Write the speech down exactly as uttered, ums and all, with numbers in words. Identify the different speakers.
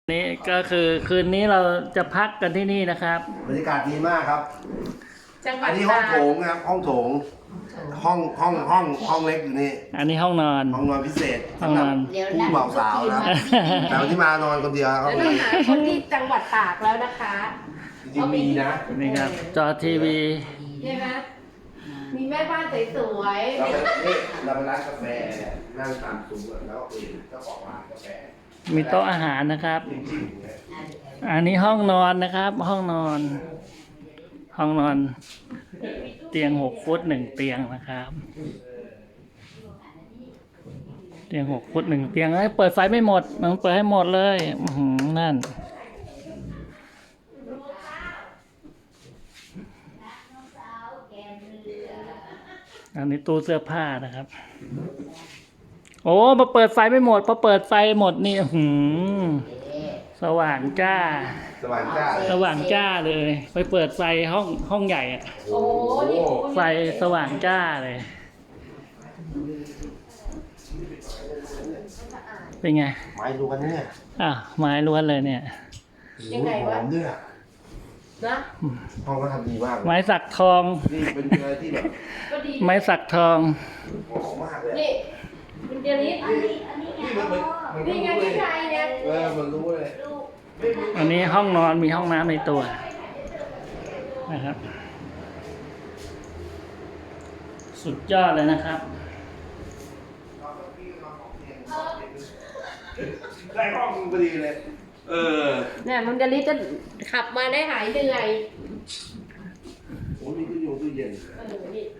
Speaker 1: นี่ก็คือคืนนี้เราจะพักกันที่นี่นะครับ
Speaker 2: บรรยากาศดีมากครับ
Speaker 3: จังหวั
Speaker 2: อั
Speaker 3: ด
Speaker 2: นนี้ห้องโถงครับห้องโถง ห้องห้องห้องห้องเล็กอยู่นี่
Speaker 1: อันนี้ห้องนอน
Speaker 2: ห้องนอนพิเศษ
Speaker 1: ห้องนอน
Speaker 2: ผู้บ่าวสาวนะแต่วันที่มานอนคนเดียวครับ
Speaker 3: แล้วต้องหาคนที่จังหวัดตากแล้วนะคะ
Speaker 2: จริงๆมีนะ
Speaker 1: นี่ครับ จอทีวี
Speaker 3: ใช่ไหมมีแม่บ้านสวย
Speaker 2: เราไปนี่เราไปร้านกาแฟนั่งตามซุ้มแล้วก็คุยกับเจ้าของร้านกาแฟ
Speaker 1: มีโต๊ะอาหารนะครับ
Speaker 2: จริงๆเนี่ย
Speaker 1: อันนี้ห้องนอนนะครับ ห้องนอน ห้องนอน เตียงหกฟุตหนึ่งเตียงนะครับ เตียงหกฟุตหนึ่งเตียงเอ้ยเปิดไฟไม่หมดมันเปิดให้หมดเลยอื้อหือนั่น อันนี้ตู้เสื้อผ้านะครับ โอ้มาเปิดไฟไม่หมดพอเปิดไฟหมดนี่อื้อหือสว่างจ้า
Speaker 2: สว่างจ้า
Speaker 1: สว่างจ้าเลย ไปเปิดไฟห้องห้องใหญ่อะ
Speaker 3: ๆ โอ้นี่
Speaker 1: ไฟสว่างจ้าเลย เป็นไง
Speaker 2: ไม้ดูกันเนี่ย
Speaker 1: อ่ะไม้ล้วนเลยเนี่ย
Speaker 3: ยังไง
Speaker 2: ห
Speaker 3: วะ
Speaker 2: อมด้วยอะ
Speaker 3: นะ
Speaker 2: ห้องก็ทำดีมากเลย
Speaker 1: ไม้สักทอง
Speaker 2: นี่เป็นอะไรที่แบบ
Speaker 3: ก็ดี
Speaker 1: ไม้สักทอง
Speaker 2: หอมมากเลย
Speaker 3: นี่มันเดี๋ยวนี้
Speaker 2: นี่มันเหมือนมันก็
Speaker 3: นี่ไง
Speaker 2: รู้เล
Speaker 3: พี่
Speaker 2: ย
Speaker 3: ชายเนี่ย
Speaker 2: เออมันรู้เลย
Speaker 1: อันนี้ห้องนอนมีห้องน้ำในตัวนะครับ สุดยอดเลยนะครับ
Speaker 2: ได้ห้องพอดีเลย เออ
Speaker 3: เนี่ยมันเดี๋ยวนี้จะขับมาได้หายเหนื่อย
Speaker 2: โอ้มีตู้เย็นตู้เย็น
Speaker 3: เออนี่